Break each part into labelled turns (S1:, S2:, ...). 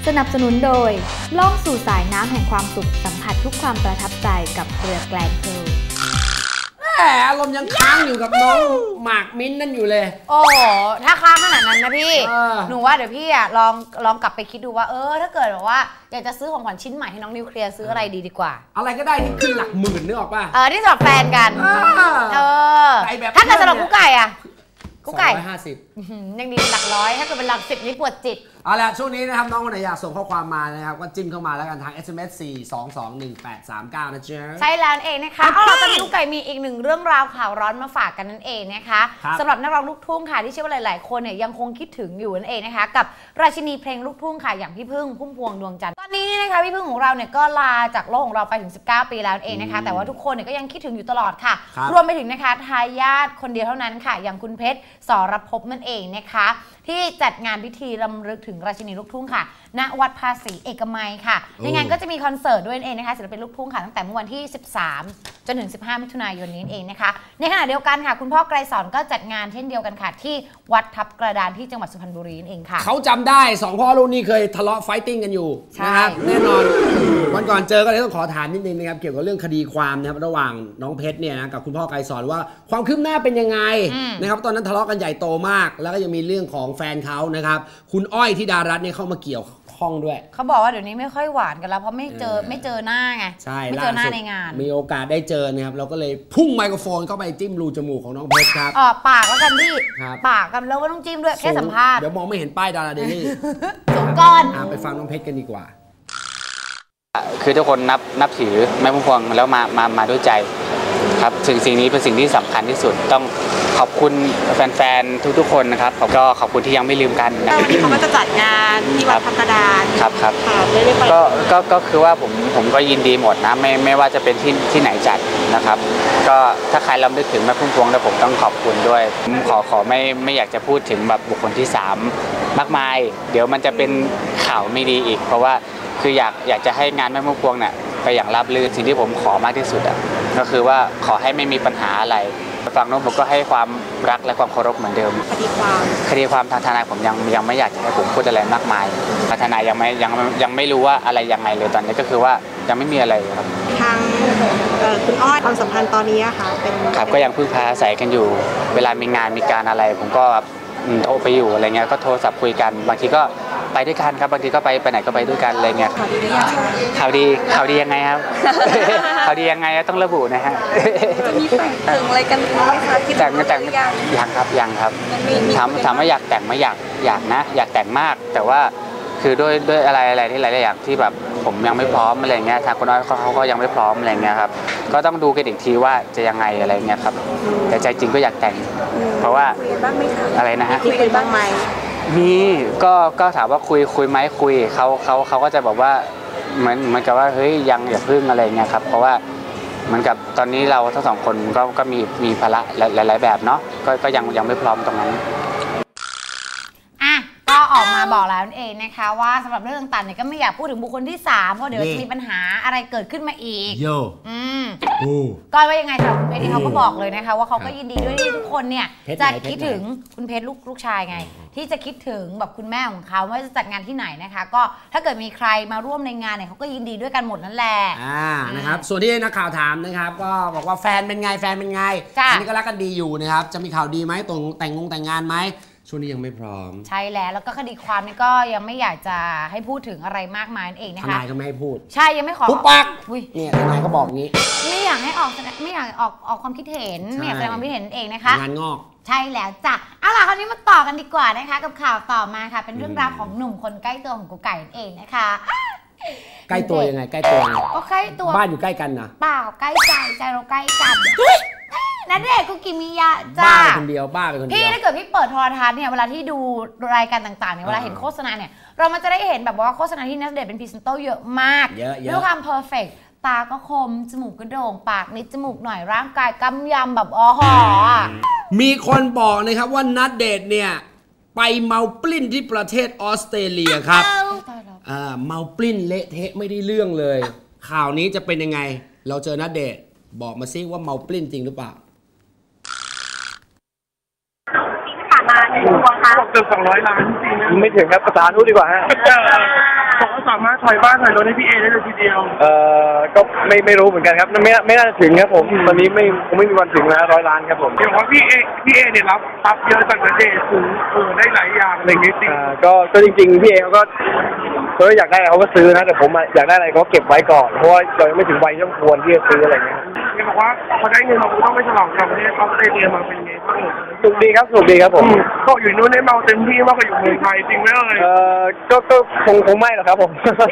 S1: สนับสนุนโดยล่องสู่สายน้ำแห่งความสุขสัมผัสทุกความประทับใจกับเรือแกลนเพล
S2: อารมณ์ยังค้างอยู่กับน้องหมากมิ้นนั่นอยู่เลย
S3: โอ้ถ้าค้างขนาดนั้นนะพี่หนูว่าเดี๋ยวพี่อ่ะลองกลับไปคิดดูว่าถ้าเกิดแบบว่าอยากจะซื้อของขวัญชิ้นใหม่ให้น้องนิวเคลียร์ซื้ออะไรดีกว่า
S2: อะไรก็ได้ที่ขึ้นหลักหมื่นนึกออกป่ะ
S3: ที่สำหรับแฟนกันถ้าเกิดสำหรับกุ๊กไก่อะกุ๊กไก่250ยังดีหลักร้อยถ้าเกิดเป็นหลัก10นี่ปวดจิต
S2: เอาละช่วงนี้นะครับน้องคนไหนอยากส่งข้อความมานะครับก็จิ้มเข้ามาแล้วกันทาง SMS 4221839นะจ๊ะ
S3: ใช่แล้วเองนะคะเอาล่ะตอนนี้กุ๊กไก่มีอีกหนึ่งเรื่องราวข่าวร้อนมาฝากกันนั่นเองนะคะสำหรับนักร้องลูกทุ่งค่ะที่เชื่อว่าหลายๆคนเนี่ยยังคงคิดถึงอยู่นั่นเองนะคะกับราชินีเพลงลูกทุ่งค่ะอย่างพี่พึ่งพุ่มพวงดวงจันทร์ตอนนี้นี่นะคะพี่พึ่งของเราเนี่ยก็ลาจากโลกของเราไปถึง19ปีแล้วเองนะคะแต่ว่าทุกคนเนี่ยก็ยังคิดถึงอยู่ตลอดค่ะรวมไปถึงนะคะทายาทคนเดียวเท่านั้นค่ะอย่างคุณเพชรสรภพนั่นเองนะคะที่จัดงานพิธีรำลึกถึงราชินีลูกทุ่งค่ะณวัดภาษีเอกมัยค่ะในงานก็จะมีคอนเสิร์ตด้วยเองนะคะศิลปินลูกทุ่งค่ะตั้งแต่เมื่อวันที่13จนถึง15มิถุนายนนี้เองนะคะในขณะเดียวกันค่ะคุณพ่อไกรสอนก็จัดงานเช่นเดียวกันค่ะที่วัดทับกระดานที่จังหวัดสุพรรณบุรีเองค่ะ
S2: เขาจำได้2พ่อลูกนี่เคยทะเลาะไฟติ้งกันอยู่นะครับแน่นอนวันก่อนเจอก็เลยต้องขอถามนิดนึงนะครับเกี่ยวกับเรื่องคดีความนะครับระหว่างน้องเพชรเนี่ยนะกับคุณพ่อไกรสอนว่าความคืบหน้าเป็นยังไงนะครับตอนนั้นทะเลาะกันใหญ่โตมากแล้วก็ยังมีเรื่องของแฟนเขานะครับคุณอ้อยธิดารัตน์เนี่ยเข้ามาเกี่ยวข้องด้วย
S3: เขาบอกว่าเดี๋ยวนี้ไม่ค่อยหวานกันแล้วเพราะไม่เจอหน้าไง
S2: ใช่
S3: ไม่เจอหน้าในงาน
S2: มีโอกาสได้เจอนะครับเราก็เลยพุ่งไมโครโฟนเข้าไปจิ้มรูจมูกของน้องเพชรครับ
S3: ปากแล้วกันพี่ปากกันแล้วก็ต้องจิ้มด้วยแค่สัมภาษณ์
S2: เดี๋ยวมองไม่เห็นป้ายดาราเดลี่
S3: สูงก้อน
S2: ไปฟังน้องเพชรกันดีกว่า
S4: คือทุกคนนับถือแม่พุ่มพวงแล้วมาด้วยใจครับสิ่งนี้เป็นสิ่งที่สำคัญที่สุดต้องขอบคุณแฟนๆทุกๆคนนะครับก็ขอบคุณที่ยังไม่ลืมกัน
S5: วันนี้เขาก็จะจัดงานที่วัดทับกระดาน
S4: ครับก็คือว่าผมก็ยินดีหมดนะไม่ว่าจะเป็นที่ไหนจัดนะครับก็ถ้าใครรำลึกถึงแม่พุ่มพวงแล้วผมต้องขอบคุณด้วยขอไม่อยากจะพูดถึงแบบบุคคลที่3มากมายเดี๋ยวมันจะเป็นข่าวไม่ดีอีกเพราะว่าคืออยากจะให้งานแม่พุ่มพวงเนี่ยไปอย่างราบรื่นสิ่งที่ผมขอมากที่สุดก็คือว่าขอให้ไม่มีปัญหาอะไรฝั่งโน้นผมก็ให้ความรักและความเคารพเหมือนเดิมคดีความทางทนายผมยังไม่อยากจะให้ผมพูดอะไรมากมายทนายยังไม่รู้ว่าอะไรยังไงเลยตอนนี้ก็คือว่ายังไม่มีอะไรครับ
S5: ทางคุณอ้อยความสัมพันธ์ตอนนี้ค่ะเป็น
S4: ครับก็ยังพึ่งพาอาศัยกันอยู่เวลามีงานมีการอะไรผมก็โทรไปอยู่อะไรเงี้ยก็โทรศัพท์คุยกันบางทีก็ไปด้วยกันครับบางทีก็ไปไหนก็ไปด้วยกันอะไรเงี้ยข่าวดียังไงครับข่าวดียังไงต้องระบุนะฮะ
S5: จะมีแต่งอะไรกันไหมคะคิด
S4: แต่งยังครับถามว่าอยากแต่งไหมอยากนะอยากแต่งมากแต่ว่าคือด้วยอะไรที่หลายๆอย่างที่แบบผมยังไม่พร้อมอะไรเงี้ยทางคุณน้อยเขาก็ยังไม่พร้อมอะไรเงี้ยครับก็ต้องดูกันอีกทีว่าจะยังไงอะไรเงี้ยครับแต่ใจจริงก็อยากแต่งเพราะว่าอะไรนะฮะ
S5: คุยบ้างไหม
S4: มีก็ถามว่าคุยไหมคุยเขาก็จะบอกว่าเหมือนกับว่าเฮ้ยยังอย่าพึ่งอะไรเงี้ยครับเพราะว่าเหมือนกับตอนนี้เราทั้งสองคนก็มีภาระหลายๆแบบเนาะก็ยังไม่พร้อมตรงนั้น
S3: ก็ออกมาบอกแล้วนั่นเองนะคะว่าสำหรับเรื่องต่างๆเนี่ยก็ไม่อยากพูดถึงบุคคลที่3เพราะเดี๋ยวจะมีปัญหาอะไรเกิดขึ้นมาอีกก็ว่ายังไงสำหรับคุณเพชรเขาก็บอกเลยนะคะว่าเขาก็ยินดีด้วยที่ทุกคนเนี่ยจะคิดถึงคุณเพชรลูกชายไงที่จะคิดถึงแบบคุณแม่ของเขาว่าจะจัดงานที่ไหนนะคะก็ถ้าเกิดมีใครมาร่วมในงานเนี่ยเขาก็ยินดีด้วยกันหมดนั่นแหละ
S2: นะครับส่วนที่นักข่าวถามนะครับก็บอกว่าแฟนเป็นไงอันนี้ก็รักกันดีอยู่นะครับจะมีข่าวดีไหมตรงแต่งงานไหมช่วงนี้ยังไม่พร้อม
S3: ใช่แล้วก็คดีความนี่ก็ยังไม่อยากจะให้พูดถึงอะไรมากมายนั่นเองนะคะ
S2: ทนายก็ไม่ให้พูด
S3: ใช่ยังไม่ขอ
S2: ปุ๊บปักเนี่ยทนายก็บอกงี้
S3: ไม่อยากให้ออกความคิดเห็นไม่อยากแสดงความคิดเห็นเองนะคะ
S2: งานงอก
S3: ใช่แล้วจ้ะเอาล่ะคราวนี้มาต่อกันดีกว่านะคะกับข่าวต่อมาค่ะเป็นเรื่องราวของหนุ่มคนใกล้ตัวของกุ๊กไก่นั่นเองนะคะ
S2: ใกล้ตัวยังไงใกล้ตัว
S3: ก็ใกล้ตัว
S2: บ้านอยู่ใกล้กันนะ
S3: เปล่าใกล้ใจเราใกล้กันนั่นเด็กกุกิมิยะ
S2: จ้าบ้าคนเดียว
S3: พี่ถ้าเกิดพี่เปิดโทรทัศน์เนี่ยเวลาที่ดูรายการต่างๆเนี่ยเวลาเห็นโฆษณาเนี่ยเรามันจะได้เห็นแบบว่าโฆษณาที่นักเดทเป็นพรีเซนเตอร์เยอะมากด้วยความเพอร์เฟกต์ตาก็คมจมูกก็โด่งปากนิดจมูกหน่อยร่างกายกำยำแบบอ๋อหอ
S2: มีคนบอกนะครับว่านัดเดทเนี่ยไปเมาปลิ้นที่ประเทศออสเตรเลียครับเมาปลิ้นเละเทะไม่ได้เรื่องเลยข่าวนี้จะเป็นยังไงเราเจอนัดเดทบอกมาซิว่าเมาปลิ้นจริงหรือเปล่า
S6: บอกเกือบ200 ล้านไม่ถึงครับภาษานู้นดีกว่าฮะบอกว่าสามารถถอยบ้านถอยรถให้พี่เอได้เลยทีเดียว
S7: ก็ไม่รู้เหมือนกันครับไม่น่าจะถึงครับผมตอนนี้คงไม่มีวันถึงแล้ว100 ล้านครับผม
S6: เดี๋ยวว่าพี่เอเนี่ยรับทรัพย์เยอะจากณเดชน์ถึงได้หลายอย่างอะไรอย่างนี้จริง
S7: ก็จริงๆพี่เอเขาก็อยากได้อะไรเขาก็ซื้อนะแต่ผมอยากได้อะไรเขาเก็บไว้ก่อนเพราะว่าเรายังไม่ถึงวัยที่ควรที่จะซื้ออะไรเงี้ย
S6: เขาบอกว่าพอได้เงินเราต้องไปฉลองกับประเทศออสเตรเลียมาเป็นไงบ้าง
S7: สุขดีครับผม
S6: ก็อยู่นู้นได้เมาเต็มที่มากกว่าอยู่เมืองไทยจริงไหม
S7: ก็คงไม่หรอกครับผม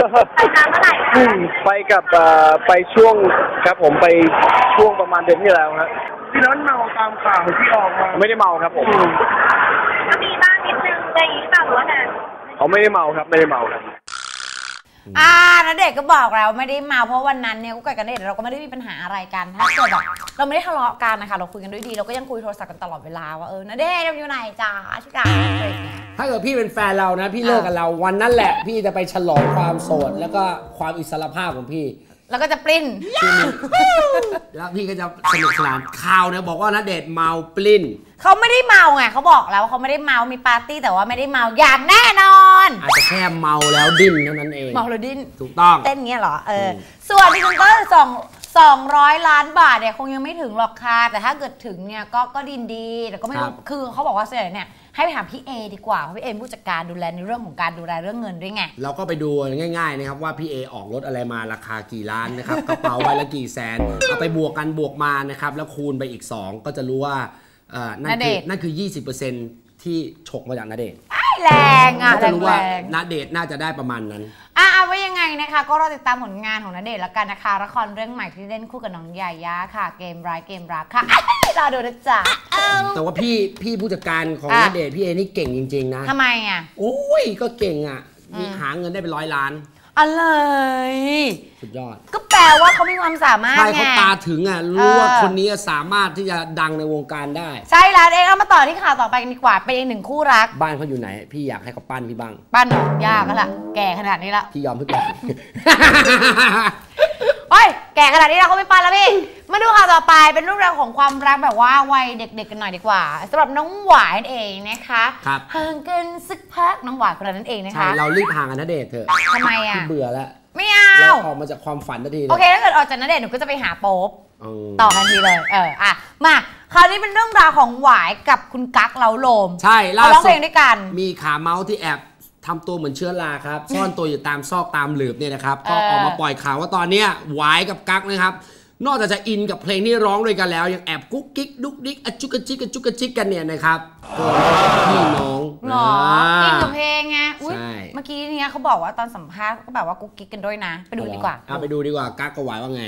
S7: ไปกับไปช่วงครับผมไปช่วงประมาณเดือนที่แล้วครับ
S6: ที่นั้นเมาตามข่าวที่ออกมา
S7: ไม่ได้เมาครับผม
S5: ก็มีบ้างนิดนึงอะไรอย่างนี้เปล่าหรือว่า
S7: เขาไม่ได้เมาครับไม่ได้เมาครับ
S3: ณเดชน์ก็บอกแล้วไม่ได้เมาเพราะวันนั้นเนี่ยกุ๊กไก่กับณเดชน์เราก็ไม่ได้มีปัญหาอะไรกันถ้าเกิดแบบเราไม่ได้ทะเลาะกันนะคะเราคุยกันด้วยดีเราก็ยังคุยโทรศัพท์กันตลอดเวลาว่าณเดชน์อยู่ไหนจ้าชิคา
S2: ถ้าเกิดพี่เป็นแฟนเรานะพี่เลิกกับเราวันนั้นแหละพี่จะไปฉลองความโสดแล้วก็ความอิสรภาพของพี่
S3: แล้วก็จะปลิ้น
S2: แล้วพี่ก็จะสนุกสนานข่าวเนี่ยบอกว่าณเดชน์เมาปลิ้น
S3: เขาไม่ได้เมาไงเขาบอกแล้วเขาไม่ได้เมามีปาร์ตี้แต่ว่าไม่ได้เมาอย่างแน่นอน
S2: อาจจะแค่เมาแล้วดิ้นเท่านั้นเอง
S3: เมาแล้วดิ้น
S2: ถูกต้อง
S3: เต้นเงี้ยเหรอส่วนที่คุณก็200 ล้านบาทเนี่ยคงยังไม่ถึงหรอกค่ะแต่ถ้าเกิดถึงเนี่ยก็ดีแต่ก็ไม่รู้คือเขาบอกว่าส่วนใหญ่เนี่ยให้ไปถามพี่เอดีกว่าเพราะพี่เอผู้จัดการดูแลในเรื่องของการดูแลเรื่องเงินด้วยไง
S2: เราก็ไปดูง่ายๆนะครับว่าพี่เอออกรถอะไรมาราคากี่ล้านนะครับกระเป๋าใบละกี่แสนเอาไปบวกกันบวกมานะครับแล้วคูณไปอีก2ก็จะรู้ว่านั่นคือ 20% ที่ฉกมาจากณเดชน์
S3: แรงอ่ะ
S2: จะรู้ว่าณเดชน์น่าจะได้ประมาณนั้น
S3: เอาไว้ยังไงนะคะก็รอติดตามผลงานของณเดชน์แล้วกันนะคะละครเรื่องใหม่ที่เล่นคู่กับน้องยายาค่ะเกมร้ายเกมรักค่ะรอดูนะจ๊ะ
S2: แต่ว่าพี่ผู้จัดการของณเดชน์พี่เอนี่เก่งจริงๆนะ
S3: ทำไมอ่ะ
S2: โอ้ยก็เก่งอ่ะมีหาเงินได้เป็น100 ล้าน
S3: อะไร
S2: สุดยอด
S3: ก็แปลว่าเขามีความสามารถไง
S2: ใช่เขาตาถึงอ่ะรู้ว่าคนนี้สามารถที่จะดังในวงการได้
S3: ใช่แล้วเอามาต่อที่ข่าวต่อไปกันดีกว่าเป็นอีกหนึ่งคู่รัก
S2: บ้านเขาอยู่ไหนพี่อยากให้เขาปั้นพี่บ้าง
S3: ปั้นหรอยากก็ล่ะแก่ขนาดนี้แล้ว
S2: พี่ยอมทุกอย่าง
S3: โอ้ยแก่ขนาดนี้เราก็ไม่ปั้นแล้วพี่มาดูข่าวต่อไปเป็นเรื่องราวของความรักแบบว่าวัยเด็กๆกันหน่อยดีกว่าสำหรับน้องหวายนั่นเองนะคะห่างกันสักพักน้องหวายคนนั้นเองนะคะ
S2: ใช่เรารีบห่างกันณเดชน์เถอะ
S3: ทำไมอ่ะ
S2: เบื่อแล้ว
S3: ไม่เอา
S2: เราออกมาจากความฝันทันที
S3: โอเคถ้าเกิดออกจากณเดชน์หนูก็จะไปหาโป๊ปต่อทันทีเลยมาคราวนี้เป็นเรื่องราวของหวายกับคุณกั๊กเล้าโลม
S2: ใช่
S3: ล่าสุดร้องเพลงด้วยกัน
S2: มีขาเมาส์ที่แอบทำตัวเหมือนเชื้อราครับซ่อนตัวอยู่ตามซอกตามหลืบเนี่ยนะครับก็ออกมาปล่อยข่าวว่าตอนนี้หวายกับกั๊กนะครับนอกจากจะอินกับเพลงที่ร้องด้วยกันแล้วยังแอบกุ๊กกิ๊กดุ๊กดิ๊กจุกกระจิกกระจุกกระจิกกันเนี่ยนะครับพี่น้อง
S3: หรออินกับเพลงไงเมื่อกี้เนี่ยเขาบอกว่าตอนสัมภาษณ์ก็แบบว่ากุ๊กกิ๊กกันด้วยนะไปดูดีกว่า
S2: ไปดูดีกว่ากั๊กกับหวายว่าไง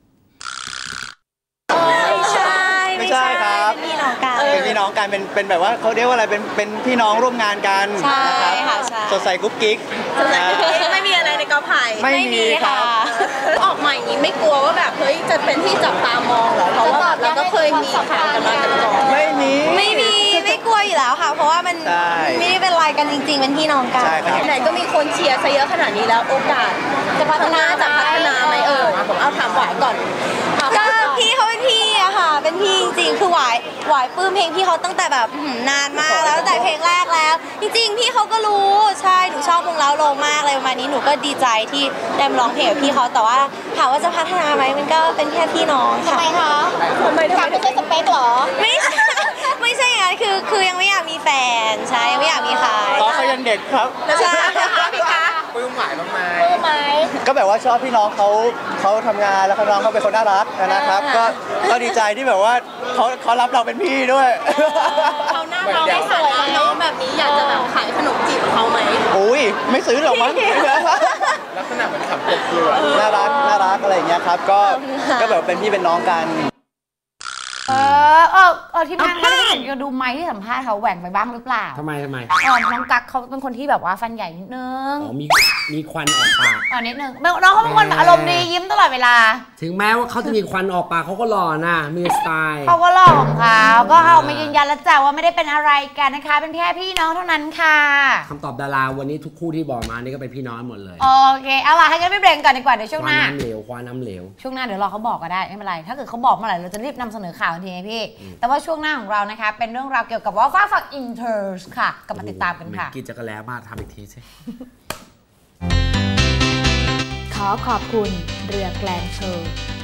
S8: ไม่ใช่ครับเป็นพี่น้องกันเป็นพี่น้องกันเป็นแบบว่าเขาเรียกว่าอะไรเป็นพี่น้องร่วมงานกัน
S5: นะครับ
S8: สดใสกุ๊กกิ๊ก
S5: ไม่มีอะไรในกอไผ่
S8: ไม่มีค่ะ
S5: ออกมาอย่างนี้ไม่กลัวว่าแบบเฮ้ยจะเป็นที่จับตามองเหรอเพราะว่าเราก็เคยมีข่าวกันมาแต่ก่อนไม่กลัวอยู่แล้วค่ะเพราะว่ามันไม่ได้เป็นอะไรกันจริงๆเป็นพี่น้องกันไหนก็มีคนเชียร์ซะเยอะขนาดนี้แล้วโอกาสจะพัฒนาไหมเอาถามหวายก่อนก็พี่เขาเป็นพี่อะค่ะเป็นพี่จริงๆคือหวายปลื้มเพลงพี่เขาตั้งแต่แบบนานมากแล้วตั้งแต่เพลงแรกแล้วจริงๆพี่เขาก็รู้ใช่หนูชอบวงเล้าโลมมากเลยประมาณนี้หนูก็ดีใจที่ได้ร้องเพลงกับพี่เขาแต่ว่าถามว่าจะพัฒนาไหมมันก็เป็นแค่พี่น้องค่ะทำไมคะทำไมไม่ใช่สเปคหรอไม่ใช่อย่างนั้นคือยังไม่อยากมีแฟนใช่ยังไม่อยากมีใคร
S8: เขายังเด็กครับ
S5: ใช่พี่คะ
S8: ปลื้มหมายไหมก็แบบว่าชอบพี่น้องเขาทำงานแล้วน้องเขาเป็นคนน่ารักนะครับก็ดีใจที่แบบว่าเขารับเราเป็นพี่ด้วย
S5: เขาหน้าเราไม่สวยน้องแบบนี้อยากจะแบบขายขนมจีบเขาไหม
S8: อุ้ยไม่ซื้อหรอกมั้งลักษณะเหมือนขับกบเกลือน่ารักอะไรอย่างเงี้ยครับก็แบบเป็นพี่เป็นน้องกัน
S3: ที่นั่งก็ได้เห็นดูไมค์ที่สัมภาษณ์เขาแหว่งไปบ้างหรือเปล่า
S2: ทำไม
S3: น้องกั๊กเขาเป็นคนที่แบบว่าฟันใหญ่นิดนึง
S2: มีควันออกปาก
S3: นิดนึงน้องเขาเป็นคนอารมณ์ดียิ้มตลอดเวลา
S2: ถึงแม้ว่าเขาจะมีควันออกปากเขาก็หล่อนะมีสไตล์
S3: เขาก็หล่อของเขาก็เอามายืนยันแล้วจ้ะว่าไม่ได้เป็นอะไรกันนะคะเป็นแค่พี่น้องเท่านั้นค่ะ
S2: คำตอบดาราวันนี้ทุกคู่ที่บอกมานี่ก็เป็นพี่น้องหมดเลย
S3: โอเคเอาล่ะให้กันไม่เบรกก่อนดีกว่าเดี๋ยวช่วงหน้า
S2: ควันน้ำเหลว
S3: ช่วงหน้าเดี๋ยวรอเขาบอกก็ได้ไม่เป็นไรถ้าเกิดเขาบอกเมื่อไหร่เราจะรีบนำเสนอข่าวทันทีพี่แต่ว่าช่วงหน้าของเรานะคะเป็นเรื่องราวเกี่ยวกับว่าฟ้าฝักอินเทอร์ค่ะกลับมาติดตามกันค่ะ
S2: กินจักรแล้มาทำอีกทีสิ
S1: ขอขอบคุณเรือแกลนเพร์ล